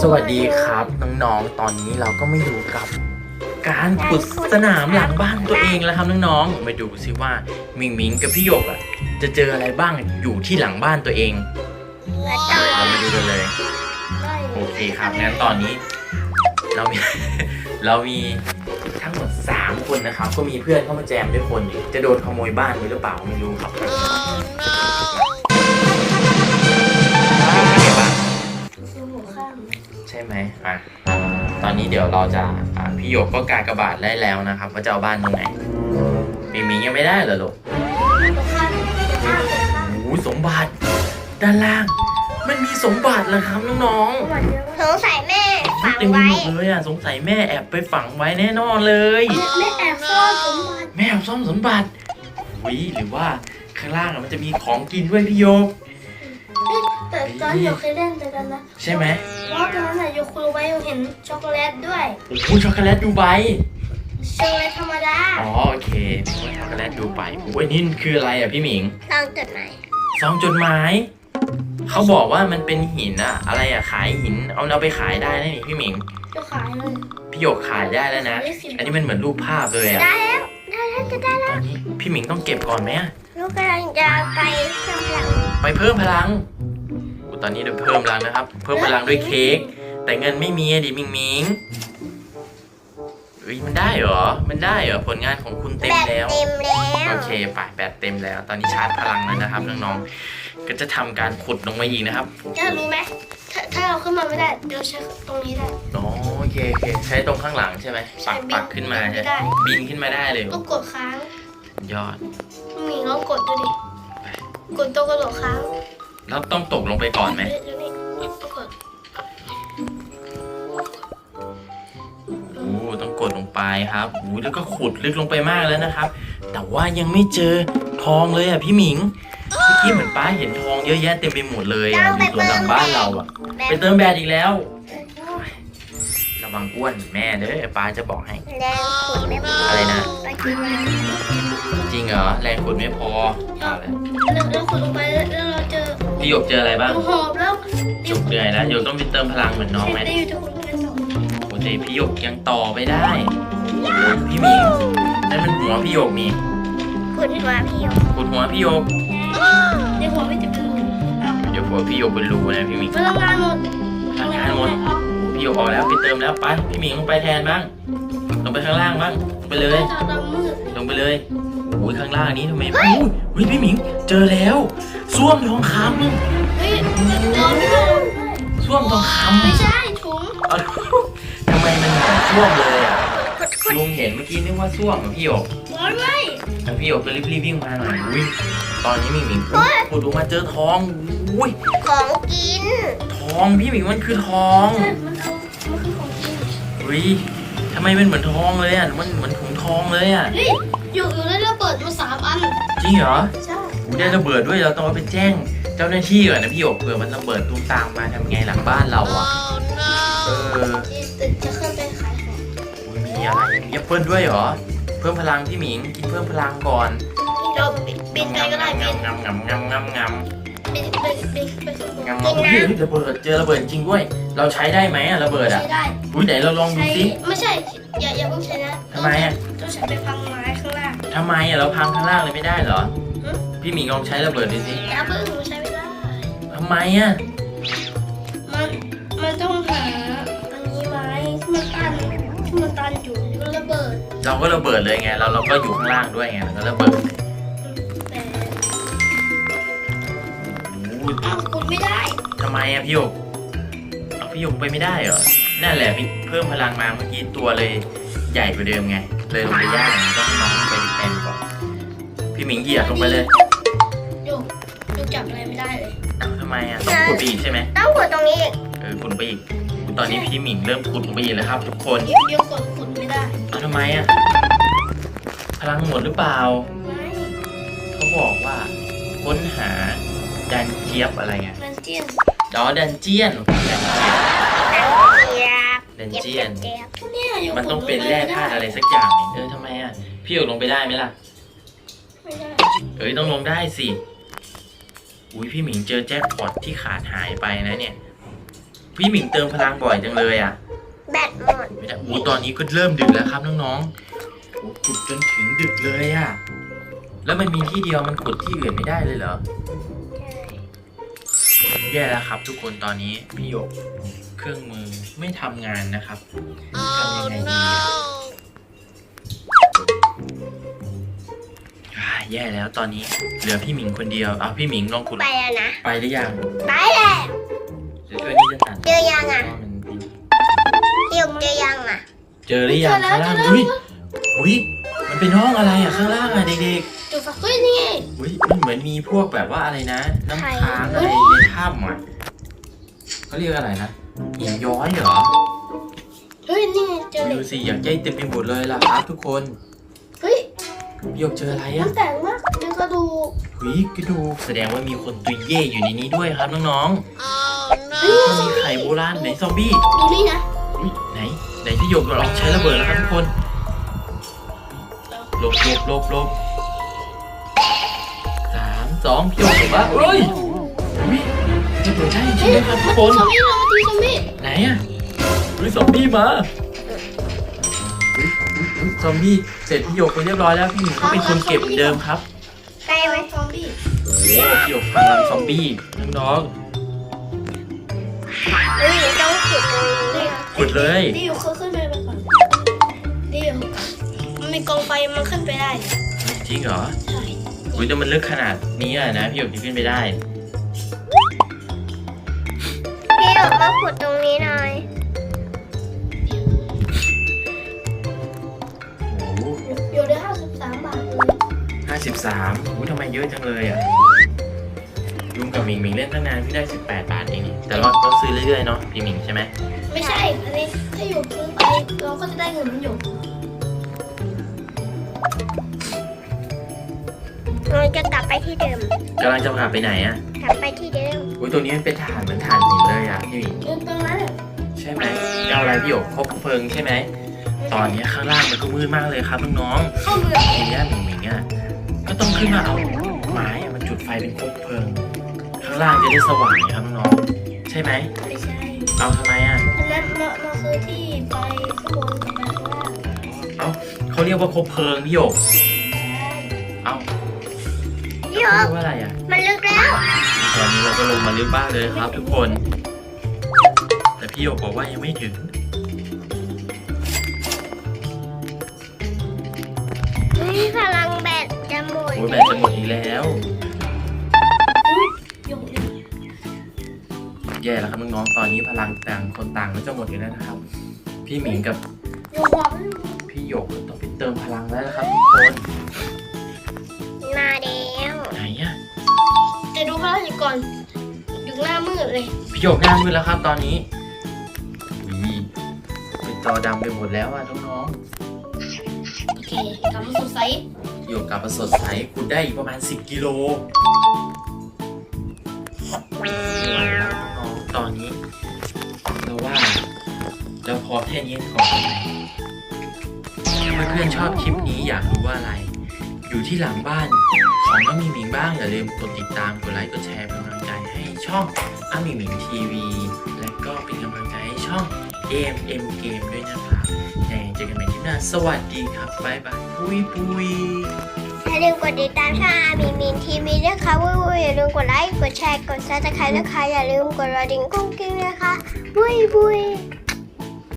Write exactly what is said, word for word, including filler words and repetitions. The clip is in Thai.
สวัสดีครับน้องๆตอนนี้เราก็มาอยู่กับการขุดสนามหลังบ้านตัวเองแล้วครับน้องๆมาดูซิว่ามิงมิงกับพี่หยกอ่ะจะเจออะไรบ้างอยู่ที่หลังบ้านตัวเองเรามาดูกันเลยโอเคครับงั้นตอนนี้เรามี เรามีทั้งหมดสามคนนะครับก็มีเพื่อนเข้ามาแจมด้วยคนอีกจะโดนขโมยบ้านไปหรือเปล่าไม่รู้ครับใช่ไหมอ่ะตอนนี้เดี๋ยวเราจะอ่ะพี่หยกก็กากบาทได้แล้วนะครับว่าจะเอาบ้านตรงไหนมิงมิงยังไม่ได้เหรอลูกโอ้สมบัติด้านล่างมันมีสมบัติเหรอครับน้องๆสงสัยแม่ฝังไว้เลยอ่ะสงสัยแม่แอบไปฝังไว้แน่นอนเลยแม่แอบซ่อนสมบัติแม่แอบซ่อนสมบัติวิหรือว่าข้างล่างมันจะมีของกินด้วยพี่โยกแต่ตอนโยเคยเล่นด้วยกันนะใช่ไหมว่าตอนนั้นโยคุรู้ไว้โยเห็นช็อกโกแลตด้วยโอ้โหช็อกโกแลตดูใบช็อกโกแลตธรรมดาอ๋อโอเคช็อกโกแลตดูใบโอ้ยนี่คืออะไรอ่ะพี่หมิงซองจดหมายซองจดหมายเขาบอกว่ามันเป็นหินอะอะไรอะขายหินเอาเอาไปขายได้นะนี่พี่หมิงจะขายเลยพี่หยกขายได้แล้วนะอันนี้มันเหมือนรูปภาพเลยอะได้แล้วได้แล้วจะได้แล้วตอนนี้พี่หมิงต้องเก็บก่อนไหมอะลูกกำลังจะไปเพิ่มพลังไปเพิ่มพลังตอนนี้เดี๋ยวเพิ่มพลังนะครับเพิ่มพลังด้วยเค้กแต่เงินไม่มีดิมิงมิงเฮ้ยมันได้เหรอมันได้เหรอผลงานของคุณเต็มแล้วเต็มแล้วโอเคป่ะแบตเต็มแล้วตอนนี้ชาร์จพลังแล้วนะครับน้องๆก็จะทำการขุดลงมาอีกนะครับจะรู้ไหมถ้าถ้าเราขึ้นมาไม่ได้เดี๋ยวใช้ตรงนี้ได้อ๋อโอเคโอเคใช้ตรงข้างหลังใช่ไหมปักปักขึ้นมาใช่บินขึ้นมาได้เลยต้องกดค้างยอดมีลองกดดูดิกดตัวกระโดดค้างแล้วต้องตกลงไปก่อนไหมโอ้ต้องกดลงไปครับโอ้แล้วก็ขุดลึกลงไปมากแล้วนะครับแต่ว่ายังไม่เจอทองเลยอ่ะพี่หมิงเมื่อกี้เหมือนป้าเห็นทองเยอะแยะเต็มไปหมดเลยอ่ะอยู่ตัวหลังบ้านเราอ่ะไปเติมแบตอีกแล้วระวังอ้วนแม่เด้อป้าจะบอกให้แรงขุดไม่พออะไรนะจริงเหรอแรงขุดไม่พออะไรเราขุดลงไปแล้วเราเจอพี่หยกเจออะไรบ้างหอบแล้วหยกเหนื่อยแล้วหยกต้องไปเติมพลังเหมือนน้องไหมโอ้ยพี่หยกยังต่อไปได้โอ้ยพี่หมิงนั่นมันหัวพี่หยกมีขุดหัวพี่หยกขุดหัวพี่หยกเดี๋ยวหัวไม่จะเป็นรูเดี๋ยวหัวพี่หยกเป็นรูนะพี่หมิงพลังงานหมดพลังงานหมดพี่หยกออกแล้วไปเติมแล้วไปพี่หมิงลงไปแทนบ้างลงไปข้างล่างบ้างลงไปเลยลงไปเลยโอ้ยข้างล่างนี้ทำไมโอ้ยเฮ้ยพี่หมิงเจอแล้วส้วมทองคำเฮ้ยส้วมทองคำไม่ใช่ถุงทำไมมันเหมือนส้วมเลยอ่ะลุงเห็นเมื่อกี้นึกว่าส้วมพี่หยกไม่ทางพี่หยกก็รีบรีบวิ่งมาหน่อยอุ้ยตอนนี้มิงมิงขุดลงมาเจอทองอุ้ยของกินทองพี่หมิงมันคือทองใช่มันเอามันคือของกินอุ้ยทำไมมันเหมือนทองเลยอ่ะมันเหมือนถุงทองเลยอ่ะเฮ้ยอยู่อยู่ได้ระเบิดมาสามอันจริงเหรอใช่ได้ระเบิดด้วยเราต้องเอาไปแจ้งเจ้าหน้าที่ก่อนนะพี่หยกเผื่อมันระเบิดตูมตามมาทำไงหลังบ้านเราอ่ะเออจะขึ้นไปขายของมีอะไรมีแอปเปิ้ลด้วยเหรอเพิ่มพลังพี่หมิงกินเพิ่มพลังก่อนเราบินไปก็ได้บินงำงำงำงำงำบินไปบินไปงำงำพี่ระเบิดเจอระเบิดจริงด้วยเราใช้ได้ไหมอะระเบิดอะใช้ได้อุ้ยไหนเราลองดูสิไม่ใช่อย่าอย่าเพิ่งใช้นะทำไมอะต้องใช้ไปพังไม้ข้างล่างทำไมอะเราพังข้างล่างเลยไม่ได้เหรอพี่หมิงลองใช้ระเบิดดูสิอย่าเพิ่งใช้ไม่ได้ทำไมอะมันมันต้องหาอันนี้ไม้ที่มันตันที่มันตันอยู่ก็ระเบิดเราก็ระเบิดเลยไงเราเราก็อยู่ข้างล่างด้วยไงเราก็ระเบิดอ้าวขุดไม่ได้ทำไมอะพี่หยกเอาพี่หยกไปไม่ได้เหรอนั่นแหละพี่เพิ่มพลังมาเมื่อกี้ตัวเลยใหญ่กว่าเดิมไงเลยลงไปยากต้องน้องไปแทนก่อนพี่หมิงเหยียบลงไปเลยโยกโยกจับอะไรไม่ได้เลยอ้าวทำไมอะต้องขุดไปอีกใช่ไหมต้องขุดตรงนี้เออขุดไปอีกตอนนี้พี่หมิงเริ่มขุดลงไปอีกแล้วครับทุกคนโยกกดขุดไม่ได้อ้าวทำไมอะพลังหมดหรือเปล่าไม่เขาบอกว่าค้นหาดันเจี๊ยบอะไรเงี้ยดันเจียนอ๋อดันเจียนดันเจียนดันเจียนมันต้องเป็นแร่ธาตุอะไรสักอย่างเออทำไมอ่ะพี่หยกลงไปได้ไหมล่ะไม่ได้เอ้ยต้องลงได้สิอุ้ยพี่หมิงเจอแจ็คพอตที่ขาดหายไปนะเนี่ยพี่หมิงเติมพลังบ่อยจังเลยอ่ะแบตหมดไม่ได้โอ้ตอนนี้ก็เริ่มดึกแล้วครับน้องๆโอ้ขุดจนถึงดึกเลยอ่ะแล้วมันมีที่เดียวมันขุดที่อื่นไม่ได้เลยเหรอแย่แล้วครับ ทุกคนตอนนี้พี่หยกเครื่องมือไม่ทำงานนะครับทำยังไงดีอะอ่าแย่แล้วตอนนี้เหลือพี่หมิงคนเดียวเอาพี่หมิงลองขุดไปแล้วนะไปหรือยังไปแล้วเดี๋ยวช่วยนี่จะตัดเจอยังอ่ะเพราว่ามันเป็นเดี๋ยวเจอยังอ่ะเจอหรือยังข้างล่างอุ้ยอุ้ยมันเป็นห้องอะไรอ่ะข้างล่างอ่ะเด็กจุดไฟเฮ้ยนี่ไงๆอุ้ยมันเหมือนมีพวกแบบว่าอะไรนะ น้ำค้างอะไรในถ้ำอ่ะเขาเรียกอะไรนะหินย้อยเหรอเฮ้ยนี่ไงเจอเหล็ดูกสิอยากใจเต็มไปหมดเลยล่ะครับทุกคนเฮ้ยพี่หยกเจออะไรมัอ่ะนแต่งมากเดี๋ยวกระดูกหุยกระดูกแสดงว่ามีคนตุยเย่อยู่ในนี้ด้วยครับน้องเฮ้ยๆมันมีไข่โบราณไหนซอมบี้ดูนี่นะอุ๊ยไหนไหนพี่หยกลองใช้ระเบิดแล้วครับทุกคนหลบหลบหลบหลบสามสองพี่หยกบอกว่าเอ้ยอุ๊ยระเบิดได้จริงๆนะครับทุกคนซอมบี้เรามาตีซอมบี้ไหนอ่ะอุ๊ยซอมบี้มาอุ๊ยอุ๊ยอุ๊ยซอมบี้เสร็จพี่หยกไปเรียบร้อยแล้วพี่หนูก็เป็นคนเก็บเหมือนเดิมครับใกล้ไหมซอมบี้โอ้โหพี่หยกพลังซอมบี้น้องเฮ้ยต้องขุดตรงนี้ๆขุดเลยดิวเขาขึ้นไปก่อนดิวมันมีกองไฟมันขึ้นไปได้จริงเหรอใช่อุ้ยแต่มันลึกขนาดนี้อะนะพี่หยกจะขึ้นไปได้พี่ออกมาขุดตรงนี้หน่อยโอ้โหอยู่ได้ห้าสิบสามบาทเลยห้าสิบสามอุ้ยทำไมเยอะจังเลยอ่ะลุงกับหมิงหมิงเล่นตั้งนานพี่ได้สิบแปดบาทเองนี่แต่ว่าต้องซื้อเรื่อยๆเนาะพี่หมิงใช่ไหมไม่ใช่ อันนี้ถ้าอยู่ซื้อไปเราก็จะได้เงินมันอยู่เราจะกลับไปที่เดิมกำลังจะพาไปไหนอ่ะกลับไปที่เดิมอุ้ยตัวนี้มันเป็นฐานเหมือนฐานหินเลยอ่ะพี่หมิงเดินตรงนั้นใช่ไหมเอาอะไรพี่หยกคบเพลิงใช่ไหมตอนนี้ข้างล่างมันก็มืดมากเลยครับน้องเข้าเมืองๆทีเนี้ยหมิงหมิงอ่ะก็ต้องขึ้นมาเอาไม้อะมันจุดไฟเป็นคบเพลิง ข้างล่างจะได้สว่างครับน้องๆใช่ไหมไม่ใช่เอาทำไมอ่ะอันนั้นมันมันคือที่ไปข้างบนกับไปข้างล่างเอาเขาเรียกว่าคบเพลิงพี่หยก เอาเดี๋ยเขาวเรียกว่าอะไรอ่ะมันลึกแล้วตอนนี้เราก็ลงมาลึกบ้านเลยครับ ทุกคน แต่พี่หยกบอกว่ายังไม่ถึงนี่พลังแบตจะหมดโอ้ยแบตจะหมดอีกแล้วอยู่แย่แล้วครับน้องๆตอนนี้พลังต่างคนต่างก็จะหมดอีกแล้วนะครับ พี่หมิงกับอยู่หัวมันพี่หยกต้องไปเติมพลังแล้วนะครับทุกคนมาแล้วไหนอ่ะจะดูพลังอยู่ก่อน อยู่หน้ามืดเลยพี่หยกหน้ามืดแล้วครับ ตอนนี้วีเป็นจอดำไปหมดแล้วอ่ะน้องโอเคกลับมาสดใสๆพี่หยกกลับมาสดใสคุณได้อีกประมาณสิบกิโลน้องๆตอนนี้เราว่าเราพอแค่นี้ก่อนไหมถ้าเพื่อนๆชอบคลิปนี้อยากรู้ว่าอะไร อยู่ที่หลังบ้านของน้องหมิงหมิงบ้างอย่าลืมกดติดตามกดไลค์กดแชร์เป็นกำลังใจให้ช่องอ้าหมิงหมิงทีวีและก็เป็นกำลังใจให้ช่อง เอ เอ็ม เอ็ม Game ด้วยนะครับยังไงเจอกันใหม่ที่หน้าสวัสดีครับบ๊ายบายปุยปุยอย่าลืมกดติดตามช่องอามีมินทีวีด้วยค่ะวุ้ยอย่าลืมกดไลค์ กดแชร์ กดซับสไครต์นะคะ อย่าลืมกดกระดิ่งกุ้งกิ้งนะคะวุ้ยวุ้ย